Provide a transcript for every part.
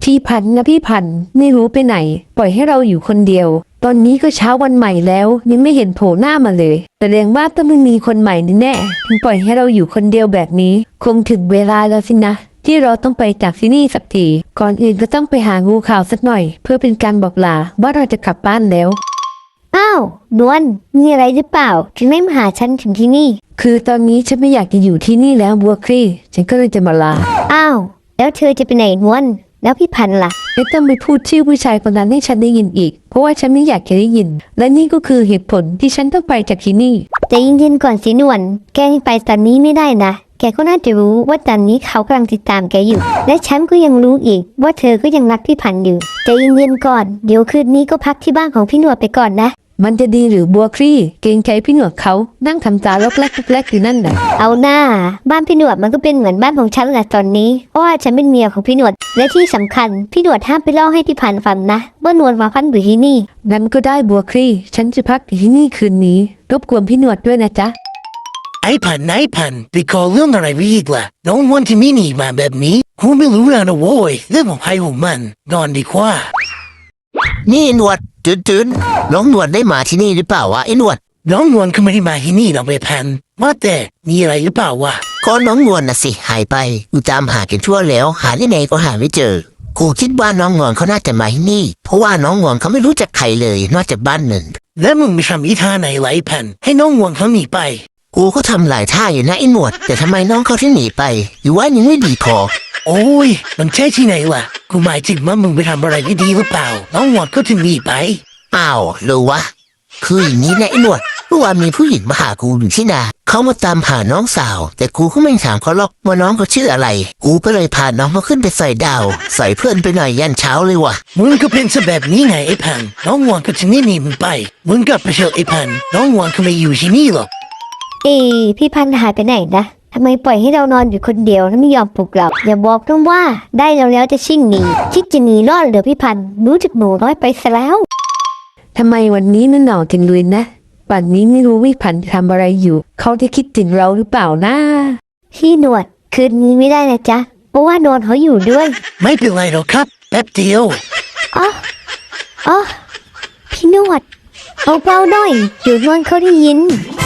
พี่พันธุ์นะพี่พันธุ์ไม่รู้ไปไหนปล่อยให้เราอยู่คนเดียวตอนนี้ก็เช้าวันใหม่แล้วยังไม่เห็นโผล่หน้ามาเลยแสดงว่าต้องไม่มีคนใหม่แน่ๆถึงปล่อยให้เราอยู่คนเดียวแบบนี้คงถึงเวลาแล้วสินะที่เราต้องไปจากที่นี่สักทีก่อนอื่นก็ต้องไปหางูขาวสักหน่อยเพื่อเป็นการบอกลาว่าเราจะกลับบ้านแล้วอ้าวนวลมีอะไรหรือเปล่าถึงได้มาหาฉันถึงที่นี่คือตอนนี้ฉันไม่อยากจะอยู่ที่นี่แล้วบัวคลี่ฉันก็เลยจะมาลาอ้าวแล้วเธอจะไปไหนนวลแล้วพี่พันธุ์ล่ะไม่ต้องไปพูดชื่อผู้ชายคนนั้นให้ฉันได้ยินอีกเพราะว่าฉันไม่อยากจะได้ยินและนี่ก็คือเหตุผลที่ฉันต้องไปจากที่นี่ใจเย็นๆก่อนสินวลแกยังไปตอนนี้ไม่ได้นะแกก็น่าจะรู้ว่าตอนนี้เขากำลังติดตามแกอยู่และฉันก็ยังรู้อีกว่าเธอก็ยังรักพี่พันธุ์อยู่ใจเย็นๆก่อนเดี๋ยวคืนนี้ก็พักที่บ้านของพี่หนวดไปก่อนนะมันจะดีหรือบัวคลี่เกรงใจพี่หนวดเขานั่งทำตาล็อกแรกแรกอยู่นั่นแหละเอาหน้าบ้านพี่หนวดมันก็เป็นเหมือนบ้านของฉันแหละตอนนี้เพราะว่าฉันเป็นเมียของพี่หนวดและที่สำคัญพี่หนวดห้ามไปเล่าให้พี่พันธุ์ฟังนะว่านวลมาพันอยู่ที่นี่งั้นก็ได้บัวคลี่ฉันจะพักอยู่ที่นี่คืนนี้รบกวนพี่หนวดด้วยนะจ๊ะไอ้พันไปขอเรื่องอะไรไปอีกล่ะน้องวันที่มินีมาแบบนี้กูไม่รู้แล้วนะโว้ยเรื่องของใครของมันนอนดีกว่านี่หนวดตื่นน้องหนวดได้มาที่นี่หรือเปล่าวะไอ้หนวดน้องนวลเขาไม่ได้มาที่นี่หรอกไอ้พันว่าแต่มีอะไรหรือเปล่าวะก็น้องนวลน่ะสิหายไปกูตามหากันทั่วแล้วหาที่ไหนก็หาไม่เจอกูคิดว่าน้องนวลเขาน่าจะมาที่นี่เพราะว่าน้องนวลเขาไม่รู้จักใครเลยนอกจากบ้านหนึ่งแล้วมึงไปทำอีท่าไหนไอ้พันให้น้องนวลเขาหนีไปกูก็ทำหลายท่าอยู่นะไอ้หนวดแต่ทำไมน้องเขาที่หนีไปหรือว่ายังไม่ดีพอโอ้ยมันใช่ที่ไหนล่ะกูหมายถึงว่ามึงไปทำอะไรไม่ดีหรือเปล่าน้องนวลก็ถึงหนีไปอ้าวหรือวะคืออย่างนี้นะไอ้หนวดเมื่อวานมีผู้หญิงมาหากูอยู่ที่นาเขามาตามหาน้องสาวแต่กูก็ไม่ถามเขาหรอกว่าน้องเขาชื่ออะไรกูก็เลยพาน้องเขาขึ้นไปใส่ดาวใส่เพื่อนไปหน่อยยันเช้าเลยวะมึงก็เป็นซะแบบนี้ไงไอ้พันน้องนวลก็ถึงได้หนีมึงไปมึงกลับไปเถอะไอ้พันน้องนวลเขาไม่อยู่ที่นี่หรอกพี่พันธุ์หายไปไหนนะทำไมปล่อยให้เรานอนอยู่คนเดียวแล้วไม่ยอมปลุกเราอย่าบอกต้องว่าได้แล้วจะชิ่งหนีคิดจะหนีรอดเหรอพี่พันธุ์รู้จักหนูน้อยไปซะแล้วทำไมวันนี้มันหนาวจังเลยนะป่านนี้ไม่รู้วิพันธ์ทำอะไรอยู่เขาจะคิดถึงเราหรือเปล่านะพี่หนวดคืนนี้ไม่ได้นะจ๊ะเพราะว่าโดนเขาอยู่ด้วยไม่เป็นไรหรอกครับแป๊บเดียวอ๋อพี่หนวดเอาเบาหน่อยเดี๋ยวนวลเขาได้ยิน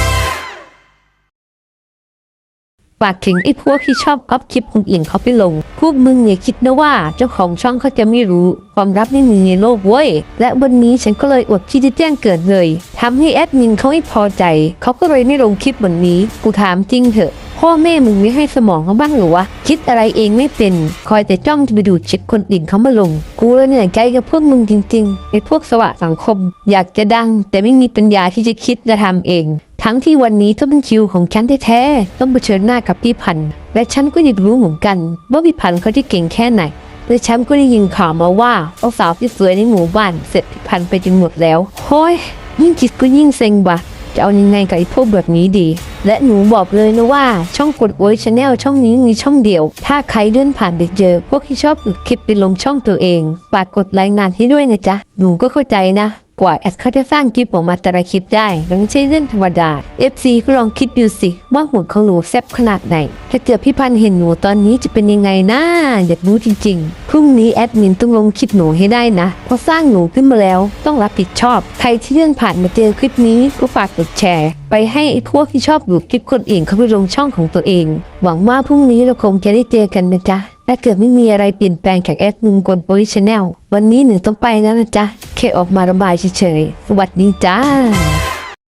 ฝากถึงไอ้พวกที่ชอบก๊อปคลิปคนอื่นเขาไปลงพวกมึงอย่าคิดนะว่าเจ้าของช่องเขาจะไม่รู้ความลับไม่มีในโลกเว้ยและวันนี้ฉันก็เลยอดที่จะแจ้งเกิดเลยทำให้แอดมินเขาไม่พอใจเขาก็เลยไม่ลงคลิปวันนี้กูถามจริงเถอะพ่อแม่มึงไม่ให้สมองเขาบ้างหรือวะคิดอะไรเองไม่เป็นคอยแต่จ้องจะไปดูเช็คคนอื่นเขามาลงกูเลยเหนื่อยใจกับพวกมึงจริงๆไอ้พวกสวะสังคมอยากจะดังแต่ไม่มีปัญญาที่จะคิดจะทำเองทั้งที่วันนี้ต้องเป็นคิวของฉันแท้ๆต้องเผชิญหน้ากับพี่พันธ์และฉันก็อยากรู้เหมือนกันว่าพี่พันธ์เขาจะเก่งแค่ไหนและฉันก็ได้ยินข่าวมาว่าเอาสาวที่สวยในหมู่บ้านเสร็จพี่พันธ์ไปจนหมดแล้วโฮ้ยยิ่งคิดก็ยิ่งเซ็งว่ะจะเอายังไงกับไอ้พวกแบบนี้ดีและหนูบอกเลยนะว่าช่องกดโวยชาแนลช่องนี้มีช่องเดียวถ้าใครเลื่อนผ่านไปเจอพวกที่ชอบอึดคลิปไปลงช่องตัวเองฝากกดรายงานให้ด้วยนะจ๊ะหนูก็เข้าใจนะกว่าแอดเขาจะสร้างคลิปออกมาแต่ละคลิปได้มันไม่ใช่เรื่องธรรมดา FC ก็ลองคิดดูสิว่าหุ่นของหนูแซ่บขนาดไหนถ้าเจอพี่พันธ์เห็นหนูตอนนี้จะเป็นยังไงนะอยากรู้จริงๆพรุ่งนี้แอดมินต้องลงคลิปหนูให้ได้นะเพราะสร้างหนูขึ้นมาแล้วต้องรับผิดชอบใครที่เลื่อนผ่านมาเจอคลิปนี้ก็ฝากกดแชร์ไปให้ไอ้พวกที่ชอบดูคลิปคนอื่นเขาไปลงช่องของตัวเองหวังว่าพรุ่งนี้เราคงจะได้เจอกันนะจ๊ะถ้าเกิดไม่มีอะไรเปลี่ยนแปลงจากแอดมินกลโปรชแนลวันนี้หนึ่งต้องไปแล้วนะจ๊ะแค่ออกมาระบายเฉยๆสวัสดีจ้า